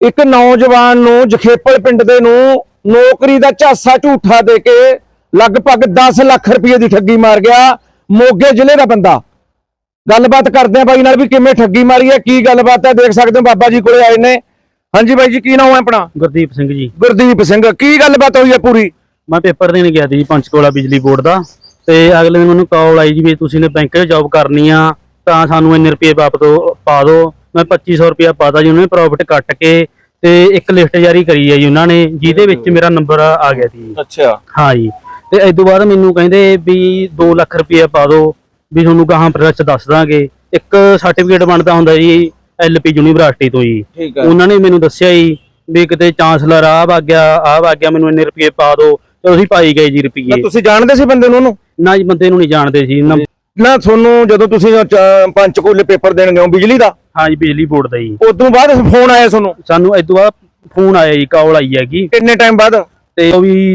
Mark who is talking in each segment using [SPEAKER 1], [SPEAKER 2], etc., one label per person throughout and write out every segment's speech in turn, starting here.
[SPEAKER 1] ਇੱਕ ਨੌਜਵਾਨ ਨੂੰ ਜਖੇਪਲ ਪਿੰਡ ਦੇ ਨੂੰ ਨੌਕਰੀ ਦਾ ਝਾਂਸਾ ਝੂਠਾ ਦੇ ਕੇ ਲਗਭਗ 10 ਲੱਖ ਰੁਪਏ ਦੀ ਠੱਗੀ ਮਾਰ ਗਿਆ। ਮੋਗੇ ਜ਼ਿਲ੍ਹੇ ਦਾ ਬੰਦਾ। ਗੱਲਬਾਤ ਕਰਦੇ ਆ ਬਾਈ ਨਾਲ ਵੀ ਕਿਵੇਂ ਠੱਗੀ ਮਾਰੀ ਹੈ, ਕੀ ਗੱਲਬਾਤ ਹੈ। ਦੇਖ ਸਕਦੇ ਹੋ ਬਾਬਾ ਜੀ ਕੋਲੇ ਆਏ ਨੇ। ਹਾਂਜੀ ਬਾਈ ਜੀ, ਕੀ ਨਾਮ ਹੈ ਆਪਣਾ?
[SPEAKER 2] ਗੁਰਦੀਪ ਸਿੰਘ ਜੀ।
[SPEAKER 1] ਗੁਰਦੀਪ ਸਿੰਘ, ਕੀ ਗੱਲਬਾਤ ਹੋਈ ਹੈ ਪੂਰੀ?
[SPEAKER 2] ਮੈਂ ਪੇਪਰ ਦੇਣ ਗਿਆ ਸੀ ਪੰਚਕੂਲਾ ਬਿਜਲੀ ਬੋਰਡ ਦਾ, ਤੇ ਅਗਲੇ ਦਿਨ ਮੈਨੂੰ ਕਾਲ ਆਈ ਜੀ ਵੀ ਤੁਸੀਂ ਨੇ ਬੈਂਕ 'ਚ ਜੌਬ ਕਰਨੀ ਆ ਤਾਂ ਸਾਨੂੰ ਇੰਨੇ ਰੁਪਏ ਵਾਪਸ ਪਾ ਦਿਓ। ਮੈਂ 2500 ਰੁਪਇਆ ਪਾਤਾ ਜੀ। ਉਹਨਾਂ ਨੇ ਪ੍ਰੋਫਿਟ ਕੱਟ ਕੇ ਤੇ ਇੱਕ ਲਿਸਟ ਜਾਰੀ ਕਰੀ ਹੈ ਜੀ ਉਹਨਾਂ ਨੇ, ਜਿਹਦੇ ਵਿੱਚ ਮੇਰਾ ਨੰਬਰ ਆ ਗਿਆ ਸੀ।
[SPEAKER 1] ਅੱਛਾ।
[SPEAKER 2] ਹਾਂ ਜੀ। ਤੇ ਇਸ ਤੋਂ ਬਾਅਦ ਮੈਨੂੰ ਕਹਿੰਦੇ ਵੀ 2 ਲੱਖ ਰੁਪਏ ਪਾ ਦਿਓ, ਵੀ ਤੁਹਾਨੂੰ ਗਾਹਾਂ ਪ੍ਰੋਸੈਸ ਦੱਸ ਦਾਂਗੇ। ਇੱਕ ਸਰਟੀਫਿਕੇਟ ਬਣਦਾ ਹੁੰਦਾ ਜੀ LP ਯੂਨੀਵਰਸਿਟੀ ਤੋਂ ਜੀ।
[SPEAKER 1] ਠੀਕ ਹੈ।
[SPEAKER 2] ਉਹਨਾਂ ਨੇ ਮੈਨੂੰ ਦੱਸਿਆ ਜੀ ਵੀ ਕਿਤੇ ਚਾਂਸਲਰ ਆ ਵਗ ਗਿਆ ਮੈਨੂੰ ਇੰਨੇ ਰੁਪਏ ਪਾ ਦਿਓ, ਤੇ ਅਸੀਂ ਪਾਈ ਗਏ ਜੀ ਰੁਪਏ।
[SPEAKER 1] ਤੁਸੀਂ ਜਾਣਦੇ ਸੀ ਬੰਦੇ ਨੂੰ ਉਹਨੂੰ?
[SPEAKER 2] ਨਾ ਜੀ, ਬੰਦੇ ਨੂੰ ਨਹੀਂ ਜਾਣਦੇ ਸੀ
[SPEAKER 1] ਨਾ। ਤੁਹਾਨੂੰ ਜਦੋਂ ਤੁਸੀਂ ਪੰਚਕੂਲੇ ਪੇਪਰ ਦੇਣ ਗਏ ਹੋ ਬਿਜਲੀ ਦਾ?
[SPEAKER 2] ਹਾਂ ਜੀ, ਬਿਜਲੀ ਬੋਰਡ ਦਾ ਜੀ।
[SPEAKER 1] ਉਦੋਂ ਬਾਅਦ ਫੋਨ ਆਇਆ ਤੁਹਾਨੂੰ?
[SPEAKER 2] ਸਾਨੂੰ ਇਸ ਤੋਂ ਬਾਅਦ ਫੋਨ ਆਇਆ ਜੀ, ਕਾਲ ਆਈ ਹੈਗੀ।
[SPEAKER 1] ਕਿੰਨੇ ਟਾਈਮ ਬਾਅਦ?
[SPEAKER 2] ਤੇ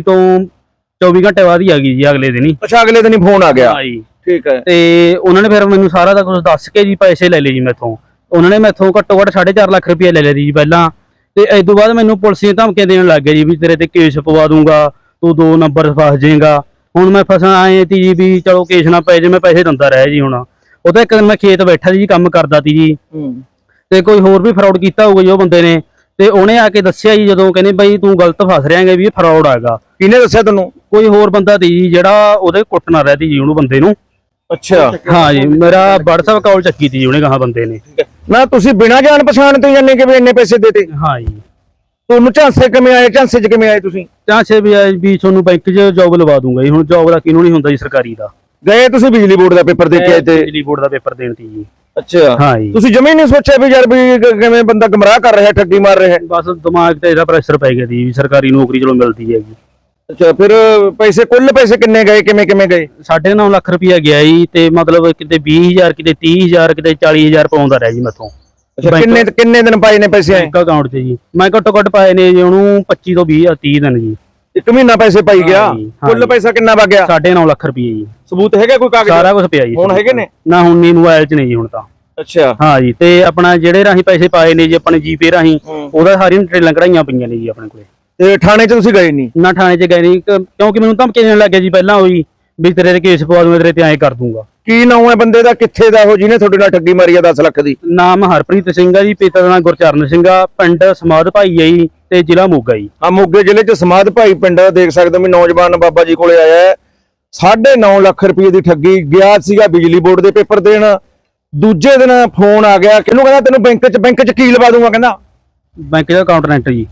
[SPEAKER 2] 24 ਘੰਟੇ ਬਾਅਦ ਹੀ ਆ ਗਈ ਜੀ, ਅਗਲੇ ਦਿਨ ਹੀ।
[SPEAKER 1] ਅੱਛਾ, ਅਗਲੇ ਦਿਨ ਹੀ ਫੋਨ ਆ ਗਿਆ।
[SPEAKER 2] ਹਾਂ ਜੀ।
[SPEAKER 1] ਠੀਕ ਹੈ।
[SPEAKER 2] ਤੇ ਉਹਨਾਂ ਨੇ ਫਿਰ ਮੈਨੂੰ ਸਾਰਾ ਦਾ ਕੁਝ ਦੱਸ ਕੇ ਜੀ ਪੈਸੇ ਲੈ ਲਏ ਜੀ ਮੈਥੋਂ। ਉਹਨਾਂ ਨੇ ਮੈਥੋਂ ਘੱਟੋ ਘੱਟ 4.5 ਲੱਖ ਰੁਪਏ ਲੈ ਲਿਆ ਜੀ ਪਹਿਲਾਂ। ਤੇ ਇਸ ਤੋਂ ਬਾਅਦ ਮੈਨੂੰ ਪੁਲਿਸ ਦੀਆਂ ਧਮਕੀਆਂ ਦੇਣ ਲੱਗ ਗਏ ਜੀ ਵੀ ਤੇਰੇ ਤੇ ਕੇਸ ਪਵਾ ਦੂੰਗਾ, ਤੂੰ 2 ਨੰਬਰ ਫਸ ਜਾਏਗਾ। ਹੁਣ ਮੈਂ ਫਸਣ ਆਏ ਤੀ ਜੀ ਵੀ ਚਲੋ ਕੇਸ ਨਾ ਪੈ ਜੇ, ਮੈਂ ਪੈਸੇ ਦਿੰਦਾ ਰਿਹਾ ਜੀ। ਹੁਣ ਉਹ ਤਾਂ ਇੱਕ ਦਿਨ ਮੈਂ ਖੇਤ ਬੈਠਾ ਜੀ, ਕੰਮ ਕਰਦਾ ਤੀ ਜੀ, ਤੇ ਕੋਈ ਹੋਰ ਵੀ ਫਰਾਡ ਕੀਤਾ ਹੋਊਗਾ ਜੀ ਉਹ ਬੰਦੇ ਨੇ। ਤੇ ਉਹਨੇ ਆ ਕੇ ਦੱਸਿਆ ਜੀ, ਜਦੋਂ ਕਹਿੰਦੇ ਬਾਈ ਤੂੰ ਗਲਤ ਫਸ ਰਿਹਾ ਹੈਗਾ ਵੀ ਇਹ ਫਰਾਡ ਹੈਗਾ।
[SPEAKER 1] ਕਿਹਨੇ ਦੱਸਿਆ ਤੁਹਾਨੂੰ?
[SPEAKER 2] ਕੋਈ ਹੋਰ ਬੰਦਾ ਤੀ ਜੀ ਜਿਹੜਾ ਉਹਦੇ ਕੁੱਟਣਾ ਰਹਦੀ ਜੀ ਉਹਨੂੰ ਬੰਦੇ ਨੂੰ।
[SPEAKER 1] ਅੱਛਾ।
[SPEAKER 2] ਹਾਂ ਜੀ, ਮੇਰਾ WhatsApp ਕਾਲ ਚੱਕੀ ਤੀ ਜੀ ਉਹਨੇ ਕਹਾ ਬੰਦੇ ਨੇ।
[SPEAKER 1] ਨਾ ਤੁਸੀਂ ਬਿਨਾਂ ਜਾਣ ਪਛਾਣ ਤੋਂ ਜਾਣੇ ਕਿ ਵੀ ਇੰਨੇ ਪੈਸੇ ਦੇਤੇ?
[SPEAKER 2] ਹਾਂ ਜੀ।
[SPEAKER 1] ਤੁਹਾਨੂੰ ਝਾਂਸੇ ਕਿਵੇਂ ਆਏ? ਝਾਂਸੇ 'ਚ ਕਿਵੇਂ ਆਏ ਤੁਸੀਂ?
[SPEAKER 2] ਚਾਂਸੇ ਵੀ ਤੁਹਾਨੂੰ ਬੈਂਕ 'ਚ ਜੌਬ ਲਵਾ ਦੂੰਗਾ ਜੀ। ਹੁਣ ਜੌਬ ਦਾ ਕਿਹਨੂੰ ਨਹੀਂ ਹੁੰਦਾ ਜੀ, ਸਰਕਾਰੀ ਦਾ।
[SPEAKER 1] ਗਏ ਤੁਸੀਂ ਬਿਜਲੀ ਬੋਰਡ ਦਾ ਪੇਪਰ ਦੇ ਕੇ ਆਏ ਤੇ?
[SPEAKER 2] ਬਿਜਲੀ ਬੋਰਡ ਦਾ ਪੇਪਰ ਦੇਣ ਤੀ ਜੀ।
[SPEAKER 1] ਅੱਛਾ।
[SPEAKER 2] ਹਾਂ ਜੀ।
[SPEAKER 1] ਤੁਸੀਂ ਜਮੇ ਨਹੀਂ ਸੋਚਿਆ ਵੀ ਯਾਰ ਵੀ ਕਿਵੇਂ ਬੰਦਾ ਗਮਰਾਹ ਕਰ ਰਿਹਾ, ਠੱਗੀ ਮਾਰ ਰਿਹਾ?
[SPEAKER 2] ਬਸ ਦਿਮਾਗ ਤੇ ਇਹਦਾ ਪ੍ਰੈਸ਼ਰ ਪੈ ਗਿਆ ਸੀ ਵੀ ਸਰਕਾਰੀ ਨੌਕਰੀ ਚਲੋ ਮਿਲਦੀ ਹੈਗੀ।
[SPEAKER 1] ਅੱਛਾ, ਫਿਰ ਪੈਸੇ ਕੁੱਲ ਪੈਸੇ ਕਿੰਨੇ ਗਏ, ਕਿਵੇਂ ਕਿਵੇਂ ਗਏ?
[SPEAKER 2] 9.5 ਲੱਖ ਰੁਪਇਆ ਗਿਆ ਜੀ। ਤੇ ਮਤਲਬ ਕਿਤੇ 20,000, ਕਿਤੇ 30,000, ਕਿਤੇ 40,000 ਪਾਉਂਦਾ ਰਿਹਾ ਜੀ ਮੈਥੋਂ।
[SPEAKER 1] ਕਿੰਨੇ ਦਿਨ ਪਾਏ ਨੇ ਪੈਸੇ?
[SPEAKER 2] ਬੈਂਕ ਅਕਾਊਂਟ 'ਚ ਜੀ ਮੈਂ ਘੱਟੋ ਘੱਟ ਪਾਏ ਨੇ ਜੀ ਉਹਨੂੰ 25 ਤੋਂ 30 ਦਿਨ ਜੀ।
[SPEAKER 1] 1 ਮਹੀਨਾ ਪੈਸੇ ਪਾਈ ਗਿਆ। ਕੁੱਲ ਪੈਸਾ ਕਿੰਨਾ ਵਗ ਗਿਆ?
[SPEAKER 2] 9.5 ਲੱਖ ਰੁਪਏ ਜੀ।
[SPEAKER 1] ਸਬੂਤ ਹੈਗਾ ਕੋਈ ਕਾਗਜ਼?
[SPEAKER 2] ਸਾਰਾ ਕੁਝ ਪਿਆ ਜੀ।
[SPEAKER 1] ਹੁਣ ਹੈਗੇ ਨੇ?
[SPEAKER 2] ਨਾ, ਹੁਣ ਨਹੀਂ, ਮੋਬਾਈਲ 'ਚ ਨਹੀਂ ਜੀ ਹੁਣ ਤਾਂ।
[SPEAKER 1] ਅੱਛਾ।
[SPEAKER 2] ਹਾਂ ਜੀ। ਤੇ ਆਪਣਾ ਜਿਹੜੇ ਰਾਹੀਂ ਪੈਸੇ ਪਾਏ ਨੇ ਜੀ ਆਪਣੇ ਜੀਪੇ ਰਾਹੀਂ, ਉਹਦਾ ਸਾਰੀਆਂ ਟ੍ਰੇਲਾਂ ਕਢਾਈਆਂ ਪਈਆਂ ਨੇ ਜੀ ਆਪਣੇ ਕੋਲੇ।
[SPEAKER 1] ਤੇ ਥਾਣੇ 'ਚ ਤੁਸੀਂ ਗਏ ਨਹੀਂ?
[SPEAKER 2] ਨਾ, ਥਾਣੇ 'ਚ ਗਏ ਨਹੀਂ, ਕਿਉਂਕਿ ਮੈਨੂੰ ਧਮਕੀ ਦੇਣ ਲੱਗ ਗਿਆ ਜੀ ਪਹਿਲਾਂ ਹੋਈ ਵੀ ਤੇਰੇ ਤੇ ਕੇਸ ਪਵਾ ਦੂੰਗਾ, ਤੇਰੇ ਤੇ ਐਂ ਕਰ ਦੂੰਗਾ।
[SPEAKER 1] ਕੀ ਨਾਮ ਹੈ ਬੰਦੇ ਦਾ, ਕਿੱਥੇ ਦਾ ਉਹ ਜਿਹਨੇ ਤੁਹਾਡੇ ਨਾਲ ਠੱਗੀ ਮਾਰੀ ਆ 10 ਲੱਖ ਦੀ?
[SPEAKER 2] ਨਾਮ ਹਰਪ੍ਰੀਤ ਸਿੰਘ ਆ ਜੀ, ਪਿਤਾ ਦਾ ਨਾਮ ਗੁਰਚਰਨ ਸਿੰਘ ਆ, ਪਿੰਡ ਸਮਾਧ ਭਾਈ ਹੈ ਜੀ, ਤੇ ਜ਼ਿਲ੍ਹਾ ਮੋਗਾ ਜੀ।
[SPEAKER 1] ਆ ਮੋਗੇ ਜ਼ਿਲ੍ਹੇ 'ਚ ਸਮਾਧ ਭਾਈ ਪਿੰਡ ਦੇਖ ਸਕਦੇ ਹੋ ਵੀ ਨੌਜਵਾਨ ਬਾਬਾ ਜੀ ਕੋਲੇ ਆਇਆ ਹੈ। 9.5 ਲੱਖ ਰੁਪਏ ਦੀ ਠੱਗੀ। ਗਿਆ ਸੀਗਾ ਬਿਜਲੀ ਬੋਰਡ ਦੇ ਪੇਪਰ ਦੇਣ, ਦੂਜੇ ਦਿਨ ਫੋਨ ਆ ਗਿਆ। ਕਿਹਨੂੰ ਕਹਿੰਦਾ ਤੈਨੂੰ ਬੈਂਕ 'ਚ ਕੀ ਲਵਾ ਦੂੰਗਾ? ਕਹਿੰਦਾ
[SPEAKER 2] ਬੈਂਕ ਦਾ ਅਕਾਊਂਟੈਂਟ ਜੀ।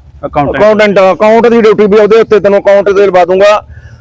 [SPEAKER 1] ਅਕਾਊਂਟ ਦੀ ਡਿਊਟੀ ਵੀ ਉਹਦੇ ਉੱਤੇ, ਤੈਨੂੰ ਅਕਾਊਂਟ ਤੇ ਲਵਾ ਦੂੰਗਾ।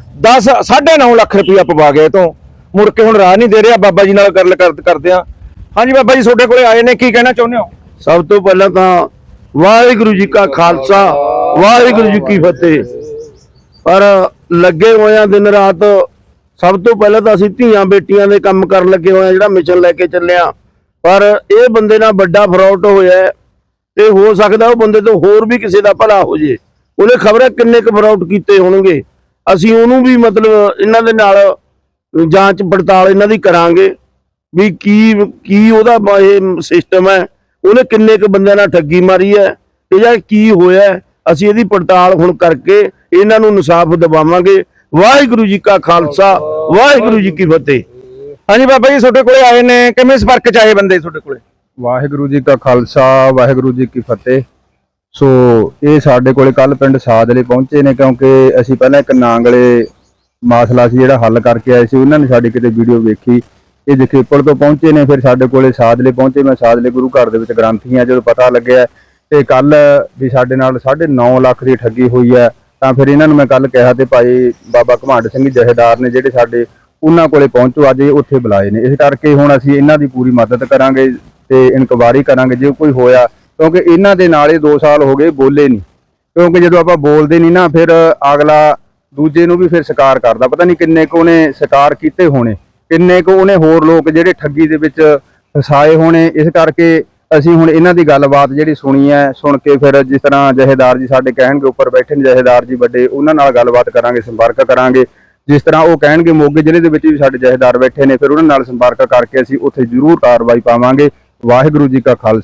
[SPEAKER 1] 9.5 ਲੱਖ ਰੁਪਇਆ ਪਵਾ ਗਏ ਤੋਂ। ਮੁੜ ਕੇ ਹੁਣ ਰਾਹ ਨਹੀਂ ਦੇ ਰਿਹਾ। ਬਾਬਾ ਜੀ ਨਾਲ ਗੱਲ ਕਰਦੇ ਆ। ਹਾਂਜੀ ਬਾਬਾ ਜੀ, ਤੁਹਾਡੇ ਕੋਲੇ ਆਏ ਨੇ, ਕੀ ਕਹਿਣਾ ਚਾਹੁੰਦੇ ਹੋ?
[SPEAKER 3] ਸਭ ਤੋਂ ਪਹਿਲਾਂ ਤਾਂ ਵਾਹਿਗੁਰੂ ਜੀ ਕਾ ਖਾਲਸਾ, ਵਾਹਿਗੁਰੂ ਜੀ ਕੀ ਫਤਿਹ। ਪਰ ਲੱਗੇ ਹੋਇਆ ਦਿਨ ਰਾਤ। ਸਭ ਤੋਂ ਪਹਿਲਾਂ ਤਾਂ ਅਸੀਂ ਧੀਆਂ ਬੇਟੀਆਂ ਦੇ ਕੰਮ ਕਰਨ ਲੱਗੇ ਹੋਏ ਆ, ਜਿਹੜਾ ਮਿਸ਼ਨ ਲੈ ਕੇ ਚੱਲਿਆ। ਪਰ ਇਹ ਬੰਦੇ ਨਾਲ ਵੱਡਾ ਫਰਾਡ ਹੋਇਆ, ਤੇ ਹੋ ਸਕਦਾ ਉਹ ਬੰਦੇ ਤੋਂ ਹੋਰ ਵੀ ਕਿਸੇ ਦਾ ਭਲਾ ਹੋ ਜੇ। ਉਹਨੇ ਖਬਰ ਕਿੰਨੇ ਕੁ ਫਰਾਡ ਕੀਤੇ ਹੋਣਗੇ। ਅਸੀਂ ਉਹਨੂੰ ਵੀ ਮਤਲਬ ਇਹਨਾਂ ਦੇ ਨਾਲ ਜਾਂਚ ਪੜਤਾਲ ਇਹਨਾਂ ਦੀ ਕਰਾਂਗੇ ਵੀ ਕੀ ਉਹਦਾ ਇਹ ਸਿਸਟਮ ਹੈ, ਉਹਨੇ ਕਿੰਨੇ ਕੁ ਬੰਦਿਆਂ ਨਾਲ ਠੱਗੀ ਮਾਰੀ ਹੈ, ਤੇ ਜਾਂ ਕੀ ਹੋਇਆ। ਅਸੀਂ ਇਹਦੀ ਪੜਤਾਲ ਹੁਣ ਕਰਕੇ ਇਹਨਾਂ ਨੂੰ ਇਨਸਾਫ ਦਿਵਾਵਾਂਗੇ। ਵਾਹਿਗੁਰੂ ਜੀ ਕਾ ਖਾਲਸਾ, ਵਾਹਿਗੁਰੂ ਜੀ ਕੀ ਫਤਿਹ।
[SPEAKER 1] ਹਾਂਜੀ ਬਾਬਾ ਜੀ, ਤੁਹਾਡੇ ਕੋਲੇ ਆਏ ਨੇ, ਕਿਵੇਂ ਸੰਪਰਕ 'ਚ ਆਏ ਬੰਦੇ ਤੁਹਾਡੇ ਕੋਲੇ?
[SPEAKER 4] ਵਾਹਿਗੁਰੂ ਜੀ ਕਾ ਖਾਲਸਾ, ਵਾਹਿਗੁਰੂ ਜੀ ਕੀ ਫਤਿਹ। ਸੋ ਇਹ ਸਾਡੇ ਕੋਲੇ ਕੱਲ ਪਿੰਡ ਸਾਦਲੇ ਪਹੁੰਚੇ ਨੇ, ਕਿਉਂਕਿ ਅਸੀਂ ਪਹਿਲਾਂ ਇੱਕ ਨਾਂਗਲੇ ਮਾਸਲਾ ਸੀ ਜਿਹੜਾ ਹੱਲ ਕਰਕੇ ਆਏ ਸੀ। ਉਹਨਾਂ ਨੇ ਸਾਡੀ ਕਿਤੇ ਵੀਡੀਓ ਵੇਖੀ, ਇਹ ਜਖੇਪਲ ਤੋਂ ਪਹੁੰਚੇ ਨੇ, ਫਿਰ ਸਾਡੇ ਕੋਲੇ ਸਾਦਲੇ ਪਹੁੰਚੇ। ਮੈਂ ਸਾਦਲੇ ਗੁਰੂ ਘਰ ਦੇ ਵਿੱਚ ਗ੍ਰੰਥੀ ਹਾਂ। ਜਦੋਂ ਪਤਾ ਲੱਗਿਆ ਤੇ ਕੱਲ ਵੀ ਸਾਡੇ ਨਾਲ 9.5 ਲੱਖ ਦੀ ਠੱਗੀ ਹੋਈ ਹੈ, ਤਾਂ ਫਿਰ ਇਹਨਾਂ ਨੂੰ ਮੈਂ ਕੱਲ ਕਿਹਾ ਤੇ ਭਾਈ ਬਾਬਾ ਘਮੰਡ ਸਿੰਘ ਜਹੇਦਾਰ ਨੇ ਜਿਹੜੇ ਸਾਡੇ, ਉਹਨਾਂ ਕੋਲੇ ਪਹੁੰਚੋ, ਅੱਜ ਉੱਥੇ ਬੁਲਾਏ ਨੇ। ਇਸ ਕਰਕੇ ਹੁਣ ਅਸੀਂ ਇਹਨਾਂ ਦੀ ਪੂਰੀ ਮਦਦ ਕਰਾਂਗੇ ਤੇ ਇਨਕੁਆਇਰੀ ਕਰਾਂਗੇ ਜੇ ਕੋਈ ਹੋਇਆ, ਕਿਉਂਕਿ ਇਹਨਾਂ ਦੇ ਨਾਲ 2 ਸਾਲ ਹੋ ਗਏ ਬੋਲੇ ਨਹੀਂ। ਕਿਉਂਕਿ ਜਦੋਂ ਆਪਾਂ ਬੋਲਦੇ ਨਹੀਂ ਨਾ, ਫਿਰ ਅਗਲਾ ਦੂਜੇ ਨੂੰ ਵੀ ਫਿਰ ਸ਼ਿਕਾਰ ਕਰਦਾ। ਪਤਾ ਨਹੀਂ ਕਿੰਨੇ ਕੁ ਉਹਨੇ ਸ਼ਿਕਾਰ ਕੀਤੇ ਹੋਣੇ, ਕਿੰਨੇ ਕੁ ਉਹਨੇ ਹੋਰ ਲੋਕ ਜਿਹੜੇ ਠੱਗੀ ਦੇ ਵਿੱਚ ਫਸਾਏ ਹੋਣੇ। ਇਸ ਕਰਕੇ ਅਸੀਂ ਹੁਣ ਇਹਨਾਂ ਦੀ ਗੱਲਬਾਤ ਜਿਹੜੀ ਸੁਣੀ ਹੈ, ਸੁਣ ਕੇ ਫਿਰ ਜਿਸ ਤਰ੍ਹਾਂ ਜਹੇਦਾਰ ਜੀ ਸਾਡੇ ਕਹਿਣਗੇ, ਉੱਪਰ ਬੈਠੇ ਨੇ ਜਹੇਦਾਰ ਜੀ ਵੱਡੇ, ਉਹਨਾਂ ਨਾਲ ਗੱਲਬਾਤ ਕਰਾਂਗੇ, ਸੰਪਰਕ ਕਰਾਂਗੇ। ਜਿਸ ਤਰ੍ਹਾਂ ਉਹ ਕਹਿਣਗੇ, ਮੋਗੇ ਜ਼ਿਲ੍ਹੇ ਦੇ ਵਿੱਚ ਵੀ ਸਾਡੇ ਜਹੇਦਾਰ ਬੈਠੇ ਨੇ, ਫਿਰ ਉਹਨਾਂ ਨਾਲ ਸੰਪਰਕ ਕਰਕੇ ਅਸੀਂ ਉੱਥੇ ਜ਼ਰੂਰ ਕਾਰਵਾਈ ਪਾਵਾਂਗੇ। ਵਾਹਿਗੁਰੂ ਜੀ ਕਾ ਖਾਲਸਾ,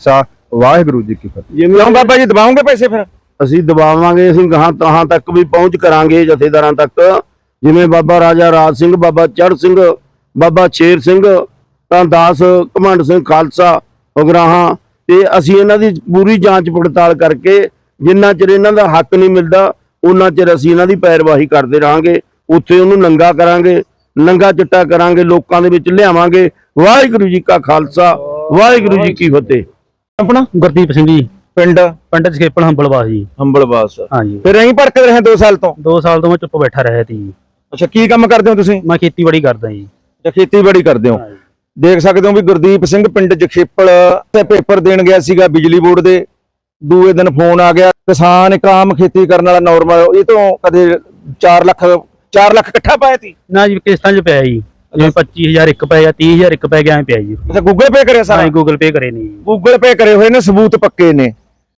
[SPEAKER 4] ਵਾਹਿਗੁਰੂ ਜੀ ਕੀ ਫਤਿਹ।
[SPEAKER 3] ਜਿਵੇਂ
[SPEAKER 1] ਕਿਉਂ ਬਾਬਾ ਜੀ ਦਬਾਉਂਗੇ ਪੈਸੇ ਫਿਰ?
[SPEAKER 3] ਅਸੀਂ ਦਬਾਵਾਂਗੇ, ਅਸੀਂ ਗਾਹਾਂ ਤਹਾਂ ਤੱਕ ਵੀ ਪਹੁੰਚ ਕਰਾਂਗੇ ਜਥੇਦਾਰਾਂ ਤੱਕ, ਜਿਵੇਂ ਬਾਬਾ ਰਾਜਾ ਰਾਜ ਸਿੰਘ, ਬਾਬਾ ਚੜ੍ਹ ਸਿੰਘ, ਬਾਬਾ ਸ਼ੇਰ ਸਿੰਘ, ਤਾਂ ਦਾਸ ਘਮੰਡ ਸਿੰਘ ਖਾਲਸਾ ਉਗਰਾਹਾਂ, ਤੇ ਅਸੀਂ ਇਹਨਾਂ ਦੀ ਪੂਰੀ ਜਾਂਚ ਪੜਤਾਲ ਕਰਕੇ ਜਿੰਨਾ ਚਿਰ ਇਹਨਾਂ ਦਾ ਹੱਕ ਨਹੀਂ ਮਿਲਦਾ ਉਹਨਾਂ ਚਿਰ ਅਸੀਂ ਇਹਨਾਂ ਦੀ ਪੈਰਵਾਹੀ ਕਰਦੇ ਰਹਾਂਗੇ। ਉੱਥੇ ਉਹਨੂੰ ਨੰਗਾ ਕਰਾਂਗੇ, ਨੰਗਾ ਚਿੱਟਾ ਕਰਾਂਗੇ, ਲੋਕਾਂ ਦੇ ਵਿੱਚ ਲਿਆਵਾਂਗੇ। ਵਾਹਿਗੁਰੂ ਜੀ ਕਾ ਖਾਲਸਾ, ਵਾਹਿਗੁਰੂ ਜੀ ਕੀ ਫਤਿਹ।
[SPEAKER 1] ਆਪਣਾ
[SPEAKER 2] ਗੁਰਦੀਪ ਸਿੰਘ ਜੀ,
[SPEAKER 1] ਪਿੰਡ
[SPEAKER 2] ਪਿੰਡ ਜਖੇਪਲ ਹੰਬਲਵਾਸ ਜੀ।
[SPEAKER 1] ਹੰਬਲਵਾਸ।
[SPEAKER 2] ਹਾਂਜੀ,
[SPEAKER 1] ਫਿਰ ਐਂ ਭੜਕਦੇ ਰਹੇ 2 ਸਾਲ ਤੋਂ?
[SPEAKER 2] 2 ਸਾਲ ਤੋਂ ਮੈਂ ਚੁੱਪ ਬੈਠਾ ਰਿਹਾ ਸੀ ਜੀ।
[SPEAKER 1] ਅੱਛਾ, ਕੀ ਕੰਮ ਕਰਦੇ ਹੋ ਤੁਸੀਂ?
[SPEAKER 2] ਮੈਂ ਖੇਤੀਬਾੜੀ ਕਰਦਾ ਜੀ।
[SPEAKER 1] ਅੱਛਾ, ਖੇਤੀਬਾੜੀ ਕਰਦੇ ਹੋ। ਦੇਖ ਸਕਦੇ ਹੋ ਵੀ ਗੁਰਦੀਪ ਸਿੰਘ ਪਿੰਡ ਜਖੇਪਲ ਤੇ ਪੇਪਰ ਦੇਣ ਗਿਆ ਸੀਗਾ ਬਿਜਲੀ ਬੋਰਡ ਦੇ। ਦੂਏ ਦਿਨ ਫੋਨ ਆ ਗਿਆ, ਕਿਸਾਨ ਇੱਕ ਆਮ ਖੇਤੀ ਕਰਨ ਵਾਲਾ ਨਾਰਮਲ, ਇਹ ਤੋਂ ਕਦੇ 4 ਲੱਖ ਇਕੱਠਾ ਪਾਇਆ ਸੀ
[SPEAKER 2] ਨਾ ਜੀ, ਕਿਸ਼ਤਾਂ 'ਚ ਪਿਆ ਜੀ, ਜਿਵੇਂ 25,000 ਇੱਕ ਪੈ ਗਿਆ, 30,000 ਇੱਕ ਪੈ ਗਿਆ, ਐਂ ਪਿਆ ਜੀ।
[SPEAKER 1] ਅੱਛਾ, ਗੂਗਲ ਪੇ ਕਰਿਆ ਸਾਰਾ?
[SPEAKER 2] ਹਾਂ, ਗੂਗਲ ਪੇ ਕਰੇ ਨਹੀਂ ਜੀ।
[SPEAKER 1] ਗੂਗਲ ਪੇ ਕਰੇ ਹੋਏ ਨੇ, ਸਬੂਤ ਪੱਕੇ ਨੇ।